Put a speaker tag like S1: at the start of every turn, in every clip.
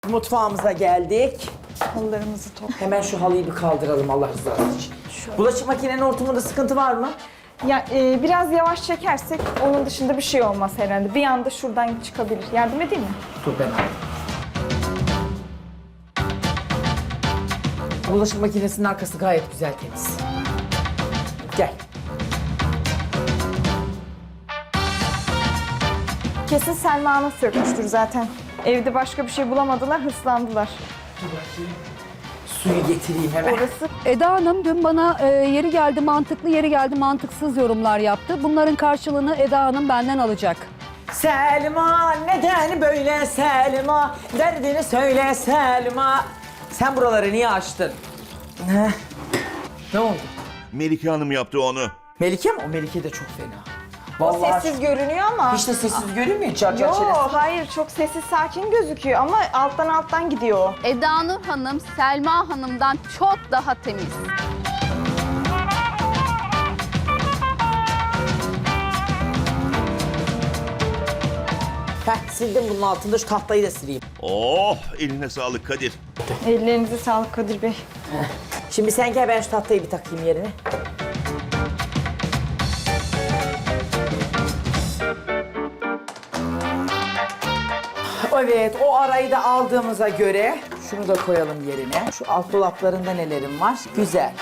S1: Mutfağımıza geldik.
S2: Halılarımızı
S1: Hemen şu halıyı bir kaldıralım Allah rızası için. Bulaşık makinenin hortumunda sıkıntı var mı?
S2: Ya biraz yavaş çekersek onun dışında bir şey olmaz herhalde. Bir anda şuradan çıkabilir. Yardım edeyim mi?
S1: Dur ben alayım. Bulaşık makinesinin arkası gayet güzel temiz. Gel.
S2: Kesin Selma Hanım sökmüştür zaten. Evde başka bir şey bulamadılar, hırslandılar.
S1: Suyu getireyim hemen.
S2: Orası
S3: Eda Hanım dün bana yeri geldi mantıklı, yeri geldi mantıksız yorumlar yaptı. Bunların karşılığını Eda Hanım benden alacak.
S1: Selma neden böyle Selma? Derdini söyle Selma. Sen buraları niye açtın? Ne oldu?
S4: Melike Hanım yaptı onu.
S1: Melike mi? O Melike de çok fena.
S2: o
S1: Vallahi
S2: sessiz görünüyor ama.
S1: hiç de sessiz görünmüyor. Çar çar
S2: Yo,
S1: çenesi.
S2: hayır çok sessiz sakin gözüküyor ama alttan gidiyor o.
S5: Eda Nur Hanım, Selma Hanım'dan çok daha temiz.
S1: Sildim bunun altında, şu tahtayı da sileyim.
S4: Oh, eline sağlık Kadir.
S2: Ellerinize sağlık Kadir Bey.
S1: Şimdi sen gel, ben şu tahtayı bir takayım yerine. Evet, o arayı da aldığımıza göre şunu da koyalım yerine. Şu alt dolaplarında nelerim var? Güzel.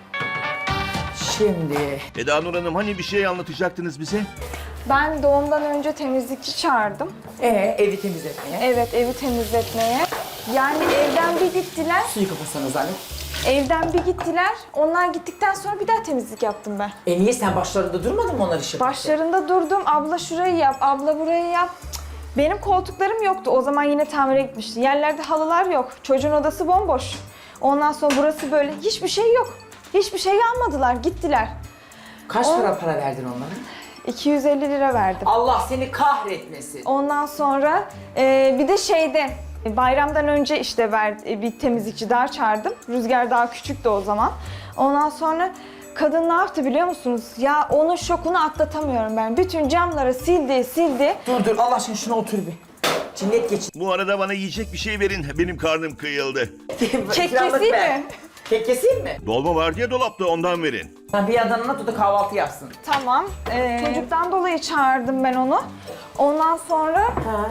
S1: Şimdi
S4: Eda Nur Hanım hani bir şey anlatacaktınız bize?
S2: Ben doğumdan önce temizlikçi çağırdım.
S1: evi temizletmeye.
S2: Evet, evi temizletmeye. Yani evden bir gittiler.
S1: Suyu kapatsanız anne.
S2: Evden bir gittiler. Onlar gittikten sonra bir daha temizlik yaptım ben.
S1: Niye sen başlarında durmadın mı onlar işe?
S2: Başlarında durdum. Abla şurayı yap, abla burayı yap. Cık. Benim koltuklarım yoktu. O zaman yine tamire gitmişti. Yerlerde halılar yok. Çocuğun odası bomboş. Ondan sonra burası böyle. Hiçbir şey yok. Hiçbir şey almadılar. Gittiler.
S1: Kaç para verdin onlara?
S2: 250 lira verdim.
S1: Allah seni kahretmesin.
S2: Ondan sonra bir de bayramdan önce işte bir temizlikçi daha çağırdım. Rüzgar daha küçüktü o zaman. Ondan sonra kadın ne yaptı biliyor musunuz? Ya onun şokunu atlatamıyorum ben. Bütün camları sildi.
S1: Dur Allah aşkına şuna otur bir. Cinnet geçin.
S4: Bu arada bana yiyecek bir şey verin. Benim karnım kıyıldı.
S2: Kek
S1: İkramlık
S2: keseyim
S1: ver.
S2: mi?
S1: Kek keseyim mi?
S4: Dolma var diye dolapta ondan verin.
S1: Ben bir yandan anlat, o da kahvaltı yapsın.
S2: Tamam. Çocuktan dolayı çağırdım ben onu. Ondan sonra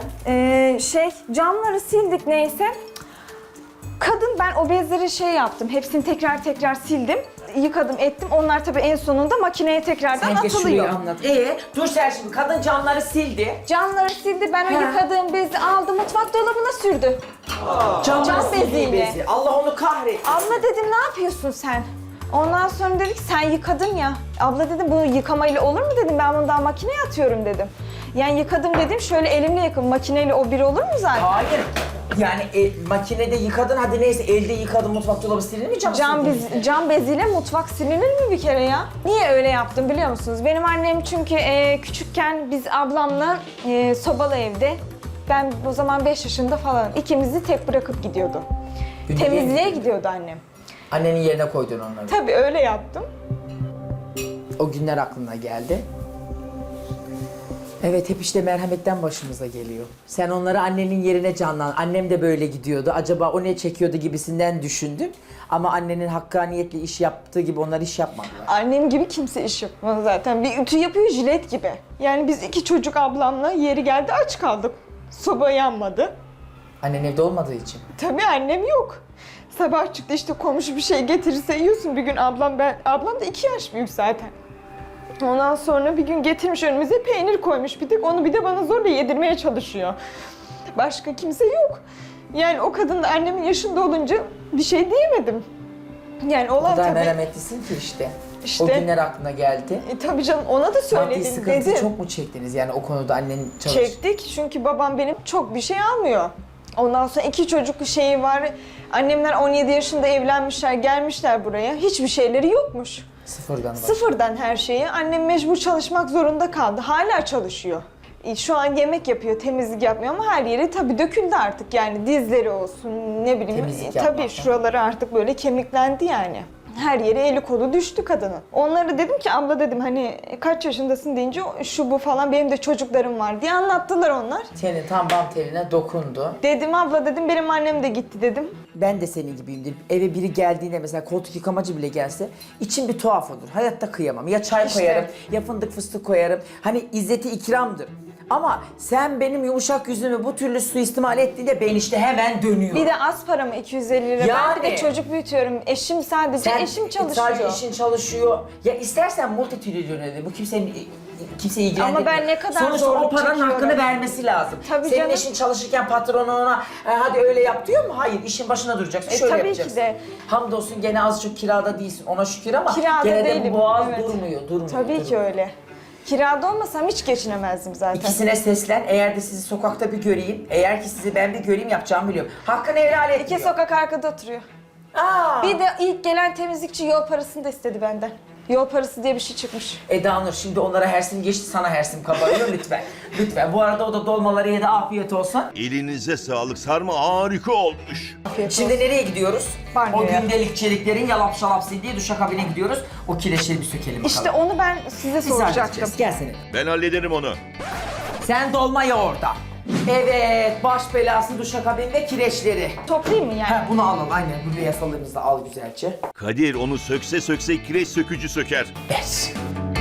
S2: camları sildik neyse. Kadın ben o bezleri yaptım. Hepsini tekrar sildim. Yıkadım ettim. Onlar tabii en sonunda makineye tekrardan
S1: Sen geç
S2: atılıyor.
S1: şurayı anlat. Dur sen şimdi, kadın camları sildi.
S2: Camları sildi. Ben o
S1: Ha.
S2: yıkadığım bezi aldı mutfak dolabına sürdü.
S1: Cam
S2: beziyle.
S1: bezi. Allah onu kahretsin.
S2: Abla dedim ne yapıyorsun sen? Ondan sonra dedik sen yıkadın ya. Abla dedim bu yıkamayla olur mu dedim. Ben bunu daha makineye atıyorum dedim. Yani yıkadım dedim şöyle elimle yıkadım. Makineyle o bir olur mu zaten?
S1: Hayır. Yani makinede yıkadın, hadi neyse, elde yıkadın, mutfak dolabı silinir mi cam sildin?
S2: Cam beziyle mutfak silinir mi bir kere ya? Niye öyle yaptım biliyor musunuz? Benim annem çünkü küçükken biz ablamla sobalı evde, ben o zaman 5 yaşında falan, ikimizi tek bırakıp gidiyordu.
S1: Günde
S2: Temizliğe
S1: değil.
S2: gidiyordu annem.
S1: Annenin yerine koydun onları.
S2: Tabii öyle yaptım.
S1: O günler aklına geldi. Evet, hep işte merhametten başımıza geliyor. Sen onları annenin yerine canlan. Annem de böyle gidiyordu. Acaba o ne çekiyordu gibisinden düşündüm. Ama annenin hakkaniyetle iş yaptığı gibi onlar iş yapmadılar.
S2: Annem gibi kimse iş yapmaz zaten. Bir ütü yapıyor jilet gibi. Yani biz 2 çocuk ablamla yeri geldi aç kaldık. Soba yanmadı.
S1: Annen evde olmadığı için.
S2: Tabii annem yok. Sabah çıktı işte komşu bir şey getirirse yiyorsun. Bir gün ablam da 2 yaş büyük zaten. Ondan sonra bir gün getirmiş önümüze peynir koymuş bir tek. Onu bir de bana zorla yedirmeye çalışıyor. Başka kimse yok. Yani o kadın da annemin yaşında olunca bir şey diyemedim. Yani
S1: O
S2: olan
S1: kadar
S2: tabii.
S1: merhametlisin ki işte.
S2: İşte.
S1: O günler aklına geldi.
S2: Tabii canım ona da
S1: Maddi
S2: söyledim
S1: sıkıntı
S2: dedim.
S1: çok mu çektiniz yani o konuda annen çalış?
S2: Çektik çünkü babam benim çok bir şey almıyor. Ondan sonra 2 çocuk şeyi var. Annemler 17 yaşında evlenmişler, gelmişler buraya. Hiçbir şeyleri yokmuş.
S1: Sıfırdan bak.
S2: Sıfırdan her şeyi. Annem mecbur çalışmak zorunda kaldı. Hala çalışıyor. Şu an yemek yapıyor, temizlik yapmıyor ama her yeri tabii döküldü artık yani dizleri olsun ne bileyim.
S1: Temizlik
S2: Tabii
S1: yapmaktan.
S2: şuraları artık böyle kemiklendi yani. Her yere eli kolu düştü kadının. Onlara dedim ki abla dedim hani kaç yaşındasın deyince şu bu falan benim de çocuklarım var diye anlattılar onlar.
S1: Senin tam bam teline dokundu.
S2: Dedim abla dedim benim annem de gitti dedim.
S1: Ben de senin gibiyimdir. Eve biri geldiğinde mesela koltuk yıkamacı bile gelse içim bir tuhaf olur. Hayatta kıyamam. Ya çay
S2: İşte.
S1: koyarım ya fındık fıstık koyarım. Hani izzeti ikramdır. Ama sen benim yumuşak yüzümü bu türlü suistimal ettiğinde ben işte hemen dönüyorum.
S2: Bir de az para mı 250 lira? Ben bir de
S1: Yani.
S2: çocuk büyütüyorum. Eşim sadece eşim çalışıyor.
S1: Sadece eşin çalışıyor. Ya istersen multitrilyoner bu kimseyi ilgilendirmiyor.
S2: Ama ben ne kadar
S1: sonuçta o
S2: zorluk
S1: paranın
S2: çekiyorum.
S1: hakkını vermesi lazım.
S2: Tabii
S1: Senin
S2: canım.
S1: eşin çalışırken patronu ona hadi öyle yap diyor mu? Hayır, işin başına duracaksın. Şöyle
S2: tabii ki
S1: yapacaksın.
S2: de.
S1: Hamdolsun gene az çok kirada değilsin. Ona şükür ama
S2: Kirada
S1: gene de
S2: değilim,
S1: bu boğaz
S2: evet.
S1: durmuyor.
S2: Tabii ki öyle. Kirada olmasam hiç geçinemezdim zaten.
S1: İkisine seslen. Eğer de sizi sokakta bir göreyim, eğer ki sizi ben bir göreyim yapacağımı biliyorum. Hakkını helal et
S2: İki
S1: diyor.
S2: sokak arkada oturuyor.
S1: Aa.
S2: Bir de ilk gelen temizlikçi yol parasını da istedi benden. Yol parası diye bir şey çıkmış.
S1: Eda Nur şimdi onlara hersim geçti, sana hersim kabarıyor lütfen. Lütfen. Bu arada o da dolmaları yedi, afiyet olsun.
S4: Elinize sağlık, sarma harika olmuş.
S1: Şimdi nereye gidiyoruz?
S2: Banyoya.
S1: O gündelikçiliklerin yalap şalap sildiği duşakabine gidiyoruz. O kireçleri bir sökelim bakalım.
S2: İşte onu ben size
S1: Biz
S2: soracaktım.
S1: halledeceğiz. Gel senin.
S4: Ben hallederim onu.
S1: Sen dolma yoğurda. Evet, baş belası duşakabin ve kireçleri.
S2: Toplayayım mı yani?
S1: Ha, bunu alalım aynen. Bu beyasalığımızı da al güzelce.
S4: Kadir onu sökse sökse kireç sökücü söker.
S1: Ver.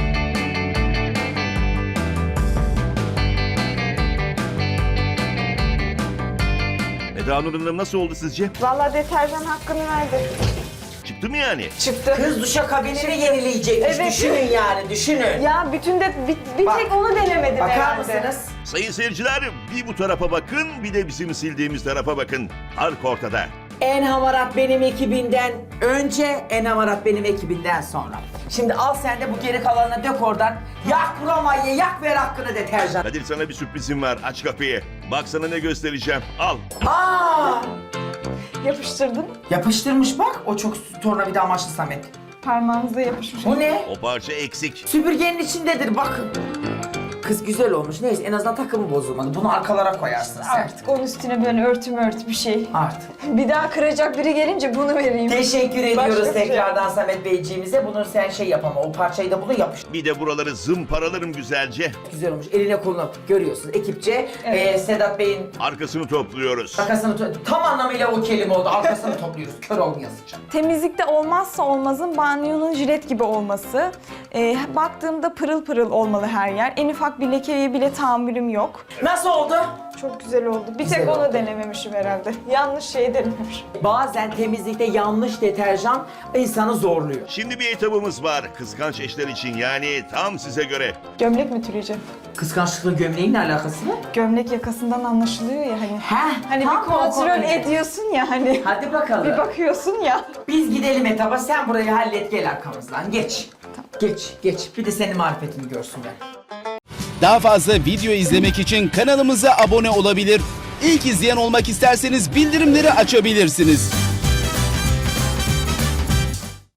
S4: Eda Nur Hanım nasıl oldu sizce?
S2: Vallahi deterjan hakkını verdi.
S4: Çıktı mı yani?
S2: Çıktı.
S1: Kız duşakabinini yenileyecekmiş.
S2: Evet.
S1: Düşünün yani, düşünün.
S2: Ya bütün de bir
S1: Bak.
S2: tek onu denemedim
S1: Bakar
S2: herhalde.
S1: mısınız?
S4: Sayın seyirciler, bir bu tarafa bakın, bir de bizim sildiğimiz tarafa bakın. Fark ortada.
S1: En hamarat benim ekibinden önce, en hamarat benim ekibinden sonra. Şimdi al sen de bu geri kalanını dök oradan. Yak buramayı, yak ver hakkını deterjan.
S4: Kadir sana bir sürprizim var, aç kapıyı. Bak sana ne göstereceğim, al.
S1: Aa!
S2: Yapıştırdım.
S1: Yapıştırmış bak, o çok tornavida amaçlı Samet.
S2: Parmağınıza yapışmış.
S1: Bu ne?
S4: O parça eksik.
S1: Süpürgenin içindedir bakın. Kız güzel olmuş. Neyse en azından takımı bozulmadı. Bunu arkalara koyarsın sen.
S2: Artık onun üstüne böyle ört bir şey.
S1: Artık.
S2: Bir daha kıracak biri gelince bunu vereyim.
S1: Teşekkür ediyoruz
S2: Başka bir şey.
S1: tekrardan Samet Beyciğimize. Bunu sen şey yapama. O parçayı da bunu yapış.
S4: Bir de buraları zımparalarım güzelce.
S1: Güzel olmuş. Eline koluna görüyorsunuz. Ekipçe Sedat Bey'in
S4: Arkasını topluyoruz.
S1: arkasını tam anlamıyla o kelime oldu. Arkasını topluyoruz. Kör olmayasıca.
S2: Temizlikte olmazsa olmazın banyonun jilet gibi olması. Baktığımda pırıl pırıl olmalı her yer. En ufak bir lekeye bile tahammülüm yok.
S1: Nasıl oldu?
S2: Çok güzel oldu. Bir
S1: Güzel
S2: tek
S1: oldu.
S2: onu denememişim herhalde. Yanlış şeyi denememişim.
S1: Bazen temizlikte yanlış deterjan insanı zorluyor.
S4: Şimdi bir etabımız var. Kıskanç eşler için, yani tam size göre.
S2: Gömlek mi türeyeceğim?
S1: Kıskançlıkla gömleğin ne alakası var?
S2: Gömlek yakasından anlaşılıyor ya hani.
S1: Heh,
S2: Hani
S1: tam
S2: bir kontrol
S1: o konu.
S2: ediyorsun ya hani.
S1: Hadi bakalım.
S2: Bir bakıyorsun ya.
S1: Biz gidelim etaba, sen burayı hallet, gel arkamızdan. Geç. Geç, geç. Bir de senin marifetini görsünler.
S6: Daha fazla video izlemek için kanalımıza abone olabilir. İlk izleyen olmak isterseniz bildirimleri açabilirsiniz.